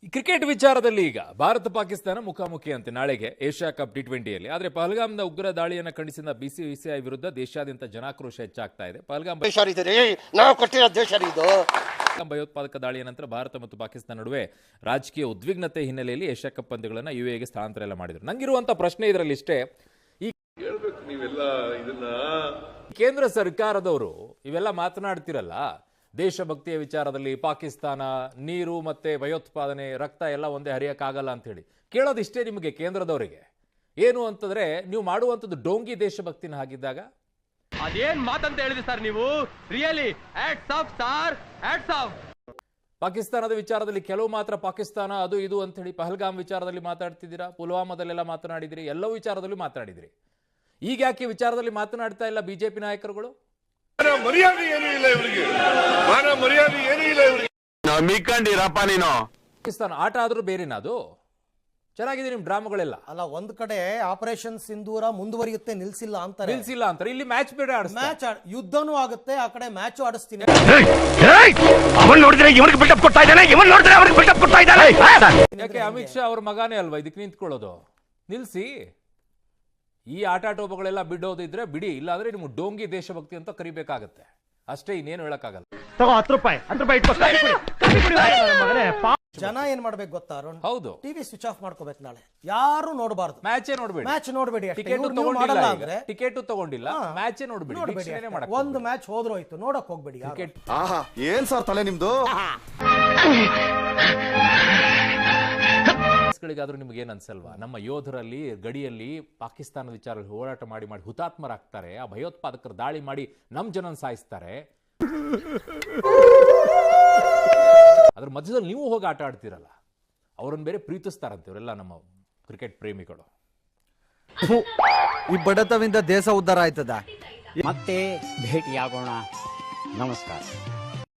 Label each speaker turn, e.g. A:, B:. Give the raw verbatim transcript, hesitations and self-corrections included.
A: Cricket ವಿಚಾರದಲ್ಲಿ ಈಗ ಭಾರತ ಪಾಕಿಸ್ತಾನ ಮುಖಾಮುಖಿ ಅಂತೆ ನಾಳೆಗೆ ಏಷ್ಯಾ ಕಪ್ ಟಿ ಟ್ವೆಂಟಿಯಲ್ಲಿ. ಆದರೆ ಪಹಲ್ಗಾಮ್ನ ಉಗ್ರ ದಾಳಿಯನ್ನು ಖಂಡಿಸಿದ ಬಿಸಿಸಿಐ ವಿರುದ್ಧ ದೇಶಾದ್ಯಂತ ಜನಾಕ್ರೋಶ ಹೆಚ್ಚಾಗ್ತಾ ಇದೆ. ಪಹಲ್ಗಾಮ್ ಭಯೋತ್ಪಾದಕ ದಾಳಿಯ ನಂತರ ಭಾರತ ಮತ್ತು ಪಾಕಿಸ್ತಾನ ನಡುವೆ ರಾಜಕೀಯ ಉದ್ವಿಗ್ನತೆ ಹಿನ್ನೆಲೆಯಲ್ಲಿ ಏಷ್ಯಾ ಕಪ್ ಪಂದ್ಯಗಳನ್ನು ಯುಎಗೆ ಸ್ಥಳಾಂತರ ಎಲ್ಲ ಮಾಡಿದ್ರು. ನಂಗಿರುವಂತ ಪ್ರಶ್ನೆ ಇದರಲ್ಲಿ ಇಷ್ಟೇ, ಈ ಕೇಂದ್ರ ಸರ್ಕಾರದವರು ಇವೆಲ್ಲ ಮಾತನಾಡ್ತಿರಲ್ಲ, ದೇಶಭಕ್ತಿಯ ವಿಚಾರದಲ್ಲಿ ಪಾಕಿಸ್ತಾನ, ನೀರು ಮತ್ತೆ ಭಯೋತ್ಪಾದನೆ, ರಕ್ತ ಎಲ್ಲ ಒಂದೇ ಹರಿಯಕ್ಕಾಗಲ್ಲ ಅಂತ ಹೇಳಿ ಕೇಳೋದಿಷ್ಟೇ ನಿಮಗೆ ಕೇಂದ್ರದವರಿಗೆ. ಏನು ಅಂತಂದ್ರೆ ನೀವು ಮಾಡುವಂಥದ್ದು ಡೋಂಗಿ ದೇಶಭಕ್ತಿನ ಹಾಗಿದ್ದಾಗ
B: ಅದೇನ್ ಮಾತಂತ ಹೇಳಿದ್ರಿ ಸರ್ ನೀವು? Really hats off sir, hats off.
A: ಪಾಕಿಸ್ತಾನದ ವಿಚಾರದಲ್ಲಿ ಕೆಲವು ಮಾತ್ರ ಪಾಕಿಸ್ತಾನ ಅದು ಇದು ಅಂತ ಹೇಳಿ ಪಹಲ್ಗಾಮ್ ವಿಚಾರದಲ್ಲಿ ಮಾತಾಡ್ತಿದ್ದೀರಾ, ಪುಲ್ವಾಮಾದಲ್ಲೆಲ್ಲ ಮಾತನಾಡಿದಿರಿ, ಎಲ್ಲವೂ ವಿಚಾರದಲ್ಲೂ ಮಾತನಾಡಿದಿರಿ. ಈಗ ಯಾಕೆ ವಿಚಾರದಲ್ಲಿ ಮಾತನಾಡ್ತಾ ಇಲ್ಲ ಬಿಜೆಪಿ ನಾಯಕರುಗಳು?
C: ಮರ್ಯಾದೆ ಏನೂ ಇಲ್ಲ ಇವರಿಗೆ, ಮಾನ ಮರ್ಯಾದೆ ಏನೂ ಇಲ್ಲ ಇವರಿಗೆ.
D: ನಂಬಿಕೊಂಡಿರಪ್ಪ ನೀನು.
A: ಪಾಕಿಸ್ತಾನ ಆಟ ಆದ್ರೂ ಬೇರೆನಾ? ಅದು ಚೆನ್ನಾಗಿದೆ ನಿಮ್ ಡ್ರಾಮಾಗಳೆಲ್ಲ.
E: ಅಲ್ಲ, ಒಂದ್ ಕಡೆ ಆಪರೇಷನ್ ಸಿಂಧೂರ ಮುಂದುವರಿಯುತ್ತೆ, ನಿಲ್ಸಿಲ್ಲ ಅಂತಾರೆ.
A: ನಿಲ್ಸಿಲ್ಲ ಅಂತಾರೆ. ಇಲ್ಲಿ ಮ್ಯಾಚ್ ಬೇಡ,
E: ಮ್ಯಾಚ್ ಯುದ್ಧನೂ ಆಗುತ್ತೆ, ಆ ಕಡೆ ಮ್ಯಾಚ್ ಆಡಿಸ್ತೀನಿ.
D: ಅವನ್ ನೋಡಿದ್ರೆ ಇವನಿಗೆ ಬಿಲ್ಡಪ್ ಕೊಡ್ತಾ ಇದ್ದಾನೆ, ಇವನ್ ನೋಡಿದ್ರೆ ಅವನಿಗೆ ಬಿಲ್ಡಪ್ ಕೊಡ್ತಾ ಇದ್ದಾನೆ.
A: ಯಾಕೆ ಅಮಿತ್ ಶಾ ಅವ್ರ ಮಗಾನೇ ಅಲ್ವಾ ಇದಕ್ಕೆ ನಿಂತ್ಕೊಳ್ಳೋದು? ನಿಲ್ಸಿ. ಈ ಆಟಾಟೋಪಗಳೆಲ್ಲ ಬಿಡೋದಿದ್ರೆ ಬಿಡಿ, ಇಲ್ಲಾಂದ್ರೆ ನಿಮ್ಗೆ ಡೋಂಗಿ ದೇಶಭಕ್ತಿ ಅಂತ ಕರಿಬೇಕಾಗತ್ತೆ ಅಷ್ಟೇ, ಇನ್ನೇನು ಹೇಳಕ್ಕಾಗಲ್ಲ.
B: ಹತ್ತು ರೂಪಾಯಿ ಹತ್ತು ರೂಪಾಯಿ
E: ಜನ ಏನ್ ಮಾಡ್ಬೇಕು ಗೊತ್ತಾ ಅರುಣ್?
A: ಹೌದು,
E: ಟಿವಿ ಸ್ವಿಚ್ ಆಫ್ ಮಾಡ್ಕೋಬೇಕು. ನಾಳೆ ಯಾರು ನೋಡಬಾರ್ದು,
A: ಮ್ಯಾಚೇ ನೋಡ್ಬೇಡಿ.
E: ಮ್ಯಾಚ್ ನೋಡ್ಬೇಡಿ.
A: ಟಿಕೆಟ್ ತಗೊಂಡಿಲ್ಲ ಅಂದ್ರೆ ಟಿಕೆಟ್ ತಗೊಂಡಿಲ್ಲ, ಮ್ಯಾಚೇ ನೋಡ್ಬೇಡಿ.
E: ಒಂದು ಮ್ಯಾಚ್ ಹೋದ್ರೋಯ್ತು, ನೋಡಕ್ ಹೋಗ್ಬೇಡಿ.
A: ಕ್ರಿಕೆಟ್
C: ಆಹಾ, ಏನ್ ಸರ್ ತಲೆ ನಿಮ್ದು?
A: ಗಳಿಗಾದ್ರೂ ನಿಮ್ಗೆ ಏನ್ ಅನ್ಸಲ್ವಾ? ನಮ್ಮ ಯೋಧರಲ್ಲಿ ಗಡಿಯಲ್ಲಿ ಪಾಕಿಸ್ತಾನದ ವಿಚಾರದಲ್ಲಿ ಹೋರಾಟ ಮಾಡಿ ಮಾಡಿ ಹುತಾತ್ಮರಾಗ್ತಾರೆ, ಆ ಭಯೋತ್ಪಾದಕರು ದಾಳಿ ಮಾಡಿ ನಮ್ ಜನನ್ ಸಾಯಿಸ್ತಾರೆ. ಅದ್ರ ಮಧ್ಯದಲ್ಲಿ ನೀವು ಹೋಗಿ ಆಟ ಆಡ್ತಿರಲ್ಲ, ಅವ್ರನ್ನ ಬೇರೆ ಪ್ರೀತಿಸ್ತಾರಂತೆ ಇವರೆಲ್ಲ ನಮ್ಮ ಕ್ರಿಕೆಟ್ ಪ್ರೇಮಿಗಳು.
F: ಈ ಬಡತವಿಂದ ದೇಶ ಉದ್ಧಾರ ಆಯ್ತದ.
G: ಮತ್ತೆ ಭೇಟಿಯಾಗೋಣ. ನಮಸ್ಕಾರ.